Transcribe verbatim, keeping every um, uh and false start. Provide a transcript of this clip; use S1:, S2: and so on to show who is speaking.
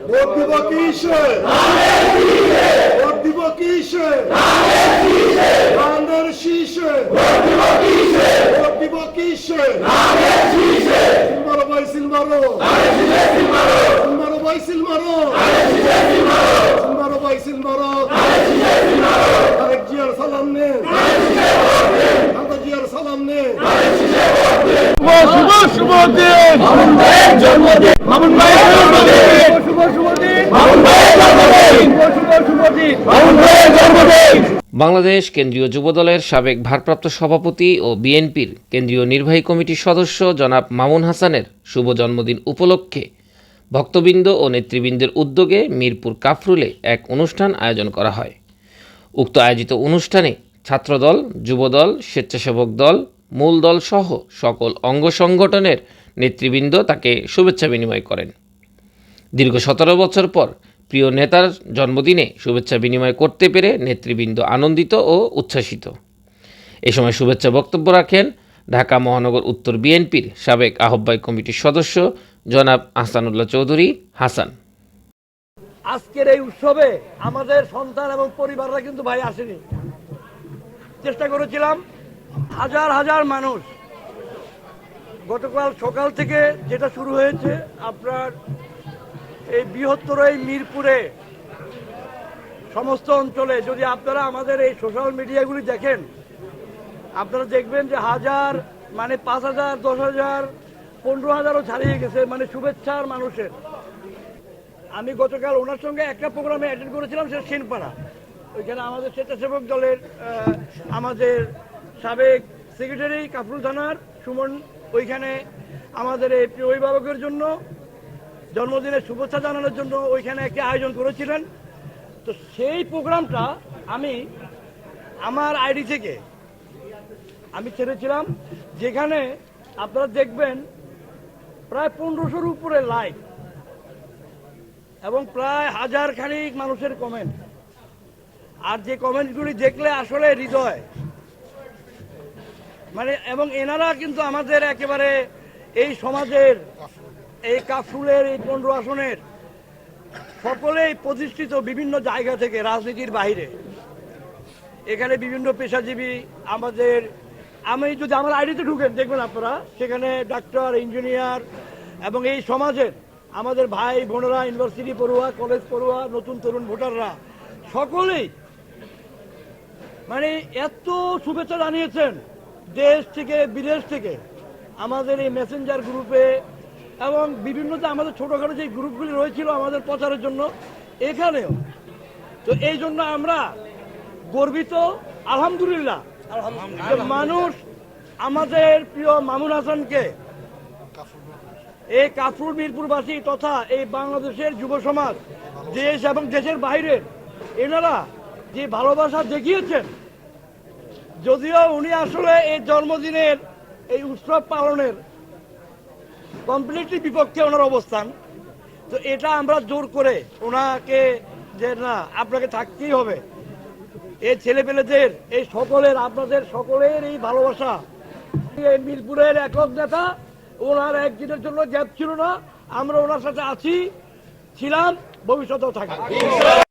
S1: Vote দিব কিসে? Vote দিব কিসে? ধানের শীষে। ভোট দিব কিসে? সিলমারো ভাই সিলমারো। সিলমারো ভাই সিলমারো। সিলমারো ভাই সিলমারো। আরেক জিয়ার সালাম নে। খালেদা জিয়ার সালাম নে।
S2: শুভ শুভ দিন মামুন ভাইয়ের জন্মদিন। মামুন ভাইয়ের জন্মদিন। শুভ শুভ দিন মামুন ভাইয়ের জন্মদিন। শুভ শুভ দিন মামুন ভাইয়ের জন্মদিন।
S3: বাংলাদেশ কেন্দ্রীয় যুবদলের সাবেক ভারপ্রাপ্ত সভাপতি ও বিএনপির কেন্দ্রীয় নির্বাহী কমিটির সদস্য জনাব মামুন হাসানের শুভ জন্মদিন উপলক্ষে ভক্তবৃন্দ ও নেতৃবৃন্দের উদ্যোগে মিরপুর কাফরুলে এক অনুষ্ঠান আয়োজন করা হয়। উক্ত আয়োজিত অনুষ্ঠানে ছাত্রদল, যুবদল, স্বেচ্ছাসেবক দল, মূল দল সহ সকল অঙ্গ সংগঠনের নেতৃবৃন্দ তাকে শুভেচ্ছা বিনিময় করেন। দীর্ঘ সতেরো বছর পর প্রিয় নেতার জন্মদিনে শুভেচ্ছা বিনিময় করতে পেরে নেতৃবৃন্দ আনন্দিত ও উচ্ছ্বাসিত। এ সময় শুভেচ্ছা বক্তব্য রাখেন ঢাকা মহানগর উত্তর বিএনপির সাবেক আহ্বায়ক কমিটির সদস্য জনাব আহসানুল্লাহ চৌধুরী হাসান।
S2: আজকের এই উৎসবে আমাদের সন্তান এবং পরিবাররা কিন্তু ভাই আসেনি। চেষ্টা করেছিলাম, হাজার হাজার মানুষ গতকাল সকাল থেকে যেটা শুরু হয়েছে আপনার এই বৃহত্তর এই মিরপুরে সমস্ত অঞ্চলে, যদি আপনারা আমাদের এই সোশ্যাল মিডিয়াগুলি দেখেন আপনারা দেখবেন যে হাজার মানে পাঁচ হাজার দশ হাজার পনেরো হাজারও ছাড়িয়ে গেছে মানে শুভেচ্ছার মানুষের। আমি গতকাল ওনার সঙ্গে একটা প্রোগ্রামে অ্যাটেন্ড করেছিলাম, সেটা সেনপাড়া। ওইখানে আমাদের স্বেচ্ছাসেবক দলের আমাদের সাবেক সেক্রেটারি কাফরুল থানার সুমন ওইখানে আমাদের এই প্রিয় অভিভাবকের জন্য জন্মদিনের শুভেচ্ছা জানানোর জন্য ওইখানে একটি আয়োজন করেছিলেন। তো সেই প্রোগ্রামটা আমি আমার আইডি থেকে আমি ছেড়েছিলাম, যেখানে আপনারা দেখবেন প্রায় পনেরোশোর উপরে লাইক এবং প্রায় হাজার খানিক মানুষের কমেন্ট। আর যে কমেন্টগুলি দেখলে আসলে হৃদয় মানে, এবং এনারা কিন্তু আমাদের একেবারে এই সমাজের এই কাফরুলের এই পনেরো আসনের সকলেই প্রতিষ্ঠিত বিভিন্ন জায়গা থেকে, রাজনীতির বাইরে। এখানে বিভিন্ন পেশাজীবী আমাদের, আমি যদি আমার আইডিতে ঢুকেন দেখবেন আপনারা সেখানে ডাক্তার, ইঞ্জিনিয়ার এবং এই সমাজের আমাদের ভাই বোনেরা, ইউনিভার্সিটি পড়ুয়া, কলেজ পড়ুয়া, নতুন তরুণ ভোটাররা সকলেই মানে এত শুভেচ্ছা জানিয়েছেন দেশ থেকে বিদেশ থেকে আমাদের এই মেসেঞ্জার গ্রুপে এবং বিভিন্ন যে আমাদের ছোটোখাটো যে গ্রুপগুলি রয়েছিল আমাদের প্রচারের জন্য এখানেও। তো এই জন্য আমরা গর্বিত আলহামদুলিল্লাহ মানুষ আমাদের প্রিয় মামুন হাসানকে, এই কাফরুল মিরপুরবাসী তথা এই বাংলাদেশের যুব সমাজ, দেশ এবং দেশের বাইরের এনারা যে ভালোবাসা দেখিয়েছেন। যদিও উনি আসলে এই জন্মদিনের এই উৎসব পালনের কমপ্লিটলি বিপক্ষে ওনার অবস্থান, তো এটা আমরা জোর করে ওনাকে যে না আপনাকে থাকতেই হবে, এই ছেলেপেলেদের এই সকলের আপনাদের সকলের এই ভালোবাসা। এই মিরপুরের একক নেতা, ওনার একদিনের জন্য গ্যাপ ছিল না, আমরা ওনার সাথে আছি, ছিলাম, ভবিষ্যতেও থাকবো।